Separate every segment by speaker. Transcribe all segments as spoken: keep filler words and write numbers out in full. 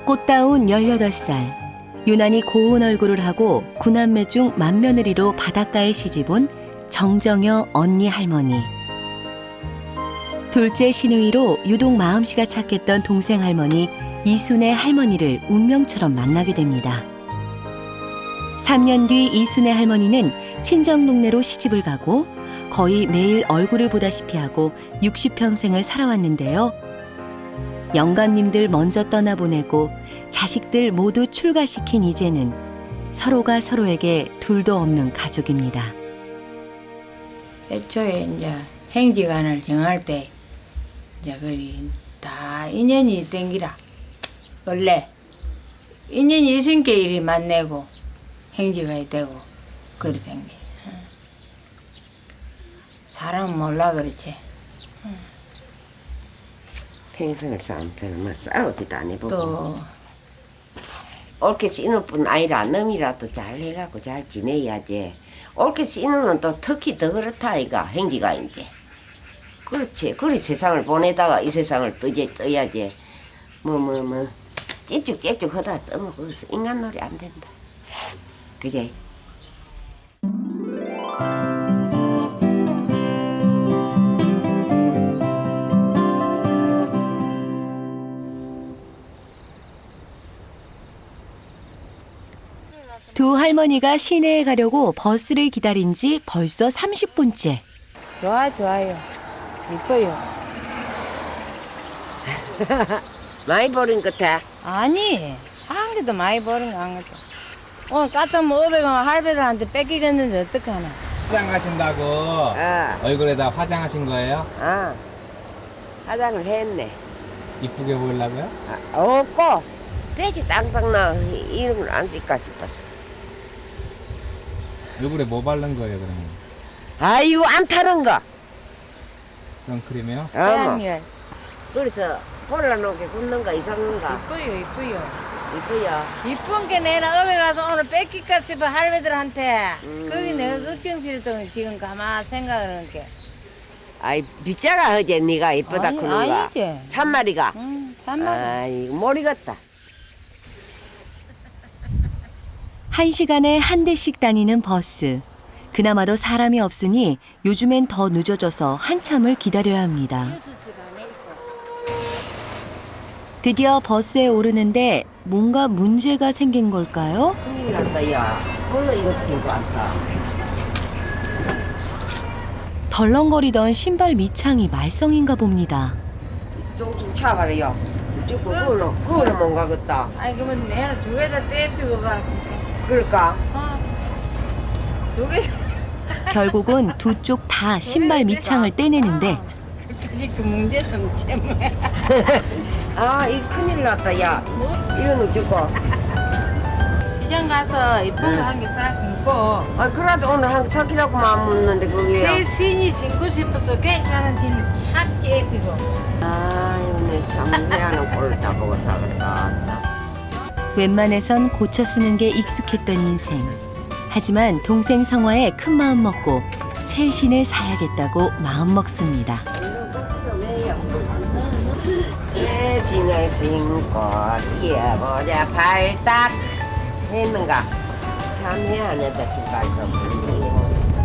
Speaker 1: 꽃다운 열여덟 살, 유난히 고운 얼굴을 하고 구남매 중 맏며느리로 바닷가에 시집온 정정여 언니 할머니. 둘째 시누이로 유독 마음씨가 착했던 동생 할머니 이순애 할머니를 운명처럼 만나게 됩니다. 삼 년 뒤 이순애 할머니는 친정 동네로 시집을 가고 거의 매일 얼굴을 보다시피 하고 육십 평생을 살아왔는데요. 영감님들 먼저 떠나보내고 자식들 모두 출가시킨 이제는 서로가 서로에게 둘도 없는 가족입니다.
Speaker 2: 애초에 이제 행지관을 정할 때 이제 그리 다 인연이 땡기라. 원래 인연이 있으니까 일이 만나고 행지가 되고 그리 된 게. 사람은 몰라 그렇지.
Speaker 3: 평생을 싸움처럼 뭐 싸우지도 안 해보고
Speaker 2: 또
Speaker 3: 옳게 씨는 뿐 아니라 놈이라도 잘 해갖고 잘 지내야지. 옳게 씨는 또 특히 더 그렇다 아이가 행지가인데. 그렇지. 그리 세상을 보내다가 이 세상을 떠지, 떠야지. 뭐 뭐 뭐 찌쭉찌쭉 하다 떠면 거기서 인간놀이 안 된다. 그게.
Speaker 1: 두 할머니가 시내에 가려고 버스를 기다린 지 벌써 삼십 분째.
Speaker 2: 좋아 좋아요. 이뻐요.
Speaker 3: 많이 버린 것 같아.
Speaker 2: 아니 한 개도 많이 버린 거 안 같아. 오늘 까딱 오백 원 할배들한테 뺏기겠는데 어떡하나.
Speaker 4: 화장하신다고
Speaker 3: 아,
Speaker 4: 얼굴에다 화장하신 거예요?
Speaker 3: 아, 화장을 했네.
Speaker 4: 이쁘게 보이려고요?
Speaker 3: 아, 없고 배지 땅땅 나 이런 걸 안 쓸까 싶었어.
Speaker 4: 얼굴에 뭐 바른 거예요 그러면?
Speaker 3: 아이고 안 타는 거.
Speaker 4: 선크림이요?
Speaker 3: 어머.
Speaker 2: 태양열.
Speaker 3: 그래서 볼라놓게 굽는 거 이상한 거
Speaker 2: 이뻐요 이뻐요.
Speaker 3: 이쁘요.
Speaker 2: 이쁜 게 내가 업에 가서 오늘 뺏길까 싶어 할배들한테.
Speaker 3: 음.
Speaker 2: 거기 내가 걱정스럽던 지금 가만 생각을 하는 게.
Speaker 3: 아이 빗자가 어제 네가 이쁘다
Speaker 2: 아니,
Speaker 3: 그런 거.
Speaker 2: 아니지.
Speaker 3: 참말이가.
Speaker 2: 응 참말.
Speaker 3: 아이고 모르겠다.
Speaker 1: 한 시간에 한 대씩 다니는 버스. 그나마도 사람이 없으니 요즘엔 더 늦어져서 한참을 기다려야 합니다. 드디어 버스에 오르는데 뭔가 문제가 생긴 걸까요?
Speaker 3: 큰일 났다 야. 벌써 이거 친구 왔다.
Speaker 1: 덜렁거리던 신발 밑창이 말썽인가 봅니다.
Speaker 3: 좀좀 차가래요. 이쪽 그걸로 그걸로 못 가겠다.
Speaker 2: 아니 그러면 내가 두 개 다 떼피고 가.
Speaker 3: 그럴까?
Speaker 2: 어. 두 개.
Speaker 1: 결국은 두 쪽 다 신발 밑창을 떼내는데
Speaker 2: 그 문제점 때문에.
Speaker 3: 아, 이 큰일 났다 야. 이건 어쩌고?
Speaker 2: 시장 가서 이쁜 거 한 개 사 신고
Speaker 3: 아, 그래도 오늘 한 사기라고 마음 묻는데 그게요.
Speaker 2: 새 신이 신고 싶어서 괜찮은 신을 착 째피고.
Speaker 3: 아유, 내참 미안한 꼴을 다 보고 살았다. 참.
Speaker 1: 웬만해선 고쳐 쓰는 게 익숙했던 인생. 하지만 동생 성화에 큰 마음 먹고 새 신을 사야겠다고 마음 먹습니다.
Speaker 3: 새 신을 신고 뛰어보자 발딱 했는가? 참 미안하다 신발도 불리고.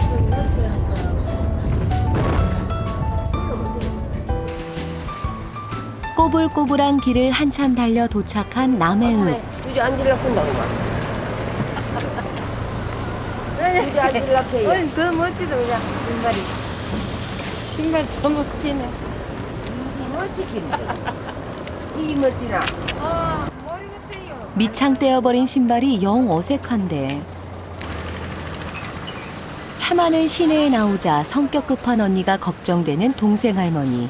Speaker 1: 꼬불꼬불한 길을 한참 달려 도착한 남해읍.
Speaker 3: 주저 앉으려고 한다고 주저 앉으려고 해요.
Speaker 2: 어이 더 멋지다 그냥 신발이. 신발 더 멋지네.
Speaker 3: 이 멋지나?
Speaker 2: 어 머리 같아요.
Speaker 1: 밑창 떼어버린 신발이 영 어색한데. 차 많은 시내에 나오자 성격 급한 언니가 걱정되는 동생 할머니.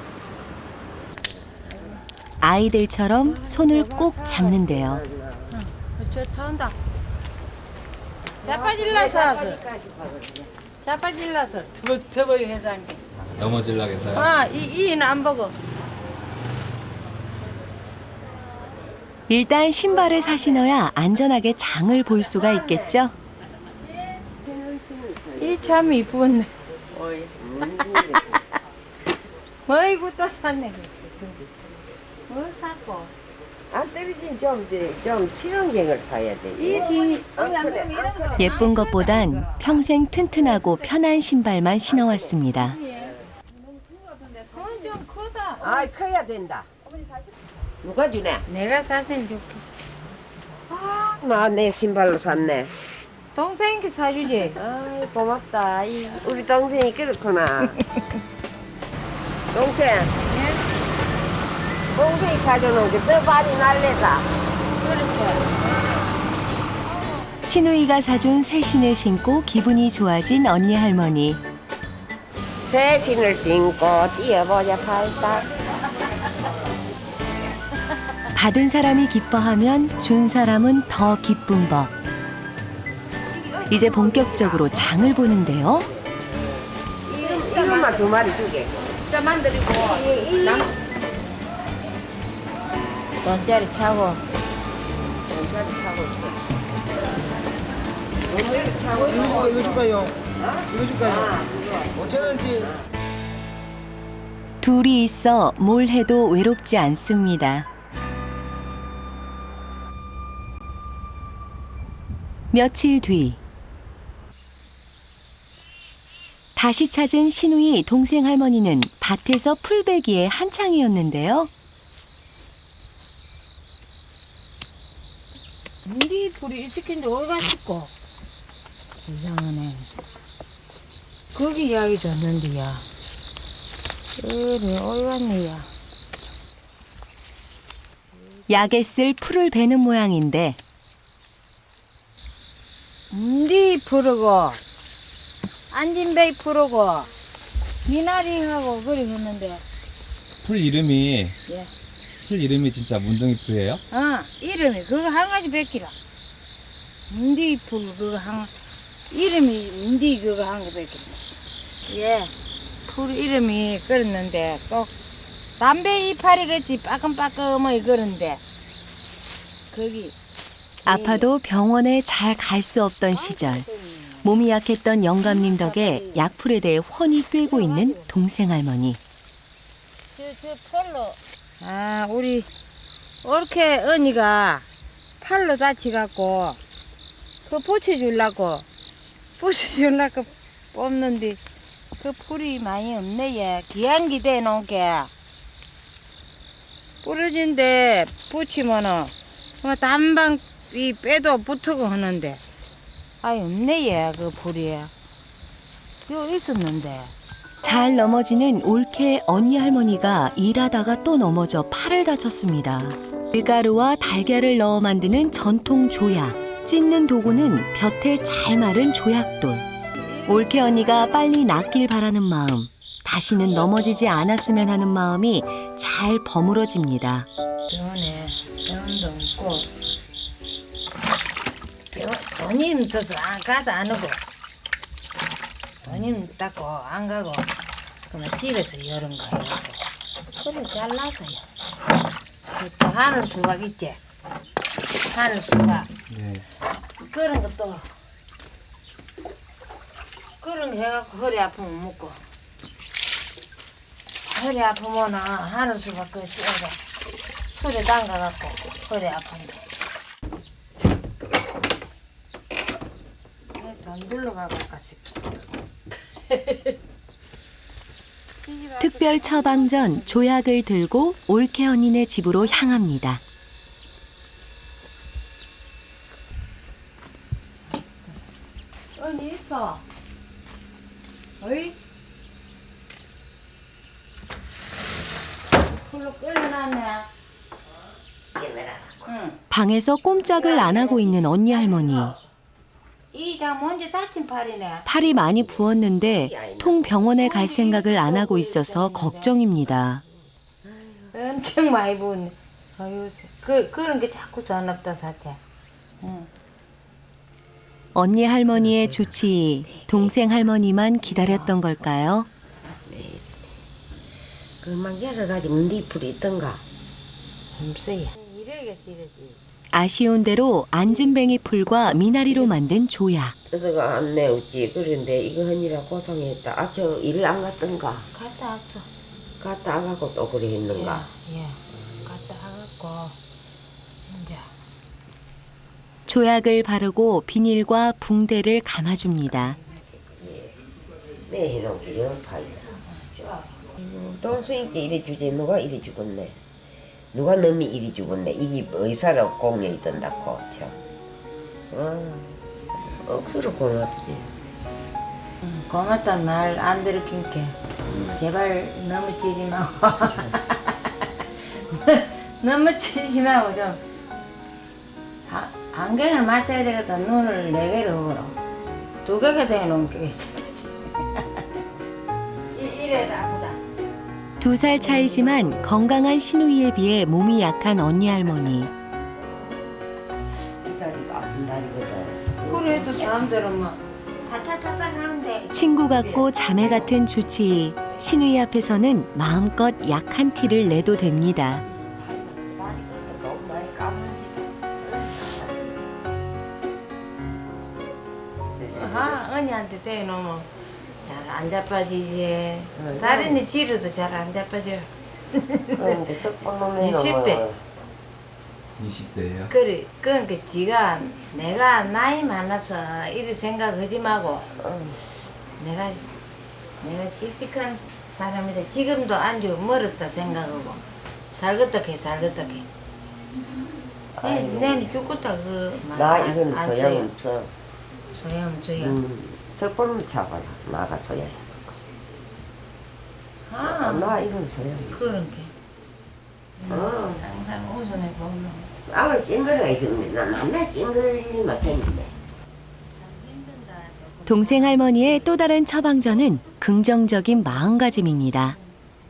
Speaker 1: 아이들처럼 손을 꼭 잡는데요.
Speaker 2: 저 타온다. 자빠질라서 자빠질라서 더버리 해서 한 게.
Speaker 4: 넘어질라고 해서요?
Speaker 2: 아, 이, 이는 안 보고.
Speaker 1: 일단 신발을 사 신어야 안전하게 장을 볼 수가 있겠죠?
Speaker 2: 이 참 이쁘네. 어이구 또 샀네. 뭘 샀고?
Speaker 3: 안 떨어진 좀좀 실용적을 사야 돼.
Speaker 2: 이시
Speaker 1: 예쁜 것보단 평생 튼튼하고 편한 신발만 신어왔습니다.
Speaker 2: 그건 좀 크다.
Speaker 3: 아 커야 된다. 누가 주네?
Speaker 2: 내가 사진 줄게.
Speaker 3: 나 내 신발로 샀네.
Speaker 2: 동생이 사주지.
Speaker 3: 아이 고맙다. 이, 우리 동생이 그렇구나. 동생. 동생이 사주는 게 더 많이 날래다.
Speaker 1: 신우이가 사준 새 신을 신고 기분이 좋아진 언니 할머니.
Speaker 3: 새 신을 신고 뛰어보자 팔딱.
Speaker 1: 받은 사람이 기뻐하면 준 사람은 더 기쁜 법. 이제 본격적으로 장을 보는데요.
Speaker 3: 이것만 두 마리 주게.
Speaker 2: 자 만들고 돈짜리 차고.
Speaker 3: 돈짜리 차고 있어. 돈짜리 차고 있어.
Speaker 5: 이거 이거 줄까요? 이거 줄까요? 오천 원치.
Speaker 1: 둘이 있어 뭘 해도 외롭지 않습니다. 며칠 뒤 다시 찾은 신우이 동생 할머니는 밭에서 풀베기에 한창이었는데요.
Speaker 2: 우리 불이 시킨데 어디 갔을까? 이상하네. 거기 이야기 줬는데야. 그래 어디 갔네야.
Speaker 1: 약에 쓸 풀을 베는 모양인데
Speaker 2: 니 부르고 안진배이 부르고 미나리하고 그리 했는데
Speaker 4: 풀 이름이
Speaker 2: 예.
Speaker 4: 풀 이름이 진짜 문둥이 풀이에요?
Speaker 2: 어 이름이 그거 한 가지 베끼라. 문디 풀 그거 한 이름이 문디 그거 한 거 베끼라. 예. 풀 이름이 그랬는데 꼭 담배 이파리 같이 빠끔빠끔하게 그런데 거기
Speaker 1: 아파도 병원에 잘 갈 수 없던 시절 몸이 약했던 영감님 덕에 약풀에 대해 훤히 꿰고 있는 동생 할머니.
Speaker 2: 저, 저 팔로. 아, 우리, 옳게 언니가 팔로 다치갖고, 그거 붙여주려고, 붙여주려고 뽑는데, 그 풀이 많이 없네, 얘. 기한기 대놓은 게. 부러진데 붙이면은, 뭐 단방 이 빼도 붙고 하는데, 아이, 없네, 얘, 그 풀이. 여기 있었는데.
Speaker 1: 잘 넘어지는 올케 언니 할머니가 일하다가 또 넘어져 팔을 다쳤습니다. 밀가루와 달걀을 넣어 만드는 전통 조약. 찢는 도구는 볕에 잘 마른 조약돌. 올케 언니가 빨리 낫길 바라는 마음, 다시는 넘어지지 않았으면 하는 마음이 잘 버무러집니다.
Speaker 2: 병원에 병원도 없고 병원, 돈이 없어서 안 가도 안 오고 돈이 없다고 안 가고 그러면 집에서 이런 거 해갖고 그래 잘나서요. 또 하늘 수박 있지? 하늘 수박
Speaker 4: 네.
Speaker 2: 그런 것도 그런 거 해갖고 허리 아프면 먹고 허리 아프면은 하늘 수박 그거 씌워서 술에 담가갖고 허리 아픈데 돈 들러가고 갈까 싶어.
Speaker 1: 특별 처방전 조약을 들고 올케 언니네 집으로 향합니다.
Speaker 2: 언니 있어? 어이? 불로 끓여놨네. 응.
Speaker 1: 방에서 꼼짝을 안 하고 있는 언니 할머니.
Speaker 2: 이자 먼저 다친 팔이네.
Speaker 1: 팔이 많이 부었는데 통 병원에 갈 생각을 안 하고 있어서 걱정입니다.
Speaker 2: 엄청 많이 부었네. 아유, 그, 그런 게 자꾸 전없다, 사태. 응.
Speaker 1: 언니 할머니의 조치, 동생 할머니만 기다렸던 걸까요?
Speaker 3: 그만 열어가지고 문디풀이 있던가.
Speaker 2: 없어요. 이래야겠어, 이래지.
Speaker 1: 아쉬운 대로 안진뱅이 풀과 미나리로 만든 조약.
Speaker 3: 저거가 안 내었지. 그런데 이거 하느라 고생했다. 아, 저 일 안 갔던가.
Speaker 2: 갔다 왔어.
Speaker 3: 갔다 안 가고 또 그래 했는가.
Speaker 2: 예, 예. 갔다 와갖고
Speaker 1: 조약을 바르고 비닐과 붕대를 감아줍니다.
Speaker 3: 매 해놓은 게 연파이다. 동수인 때 이래 주지 누가 이래 죽었네. 누가 놈이 이래 죽었네. 이게 의사로 공연이 든다고 참. 어, 억수로 고맙지.
Speaker 2: 고맙단 말 안 들을긴게 제발 너무 치지 말고 너무 치지 말고 좀 아, 안경을 맞춰야 되겠다. 눈을 네 개를 허물어 두 개가 대놓은 게 이래도 아프다.
Speaker 1: 두 살 차이지만 건강한 시누이에 비해 몸이 약한 언니 할머니.
Speaker 3: 이 다리가 아픈 다리거든.
Speaker 2: 그래도 사람들은 뭐 탈탈탈탈 하는데
Speaker 1: 친구 같고 자매 같은 주치의. 시누이 앞에서는 마음껏 약한 티를 내도 됩니다.
Speaker 3: 다리가 서 다리가 너무 많이 까불니다.
Speaker 2: 아, 언니한테 대놓으면 잘 안 자빠지지.
Speaker 3: 응.
Speaker 2: 다리는 찌르도 잘 안 자빠져.
Speaker 3: 그런데 석방놈이
Speaker 2: 이십 대.
Speaker 4: 이십 대예요?
Speaker 2: 그래, 그러니까 지가 내가 나이 많아서 이리 생각하지 말고 내가 내가 씩씩한 사람이다. 지금도 안주 멀었다 생각하고 살겠다 해 살겠다 해. 내 내는 죽겠다 그 말.
Speaker 3: 나
Speaker 2: 안-
Speaker 3: 이건
Speaker 2: 안
Speaker 3: 소용없어.
Speaker 2: 소용없어요.
Speaker 3: 음, 석방놈 잡아라. 나가 소용.
Speaker 2: 아,
Speaker 3: 나 이건 소용.
Speaker 2: 그런 게
Speaker 3: 어.
Speaker 2: 항상 웃음에 보면.
Speaker 3: 쌀을 찡그러가 있으면 나 맨날 찡그릴 일만 생기네.
Speaker 1: 동생 할머니의 또 다른 처방전은 긍정적인 마음가짐입니다.